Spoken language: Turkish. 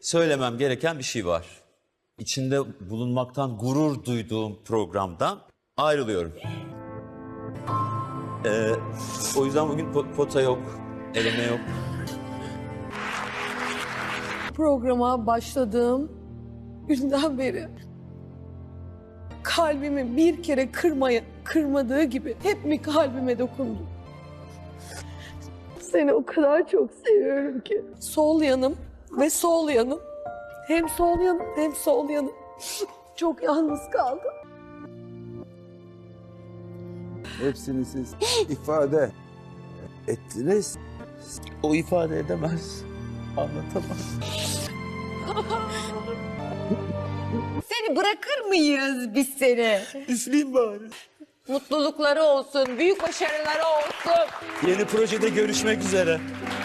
söylemem gereken bir şey var. İçinde bulunmaktan gurur duyduğum programdan ayrılıyorum. O yüzden bugün pota yok, eleme yok. Programa başladığım günden beri kalbimi bir kere kırmadığı gibi hep mi kalbime dokundu? Seni o kadar çok seviyorum ki. Sol yanım ve sol yanım. Hem sol yanım hem sol yanım. Çok yalnız kaldım. Hepsini siz ifade ettiniz. O ifade edemez, anlatamaz. Seni bırakır mıyız biz seni? Üfleyeyim bari. Mutlulukları olsun, büyük başarıları olsun. Yeni projede görüşmek üzere.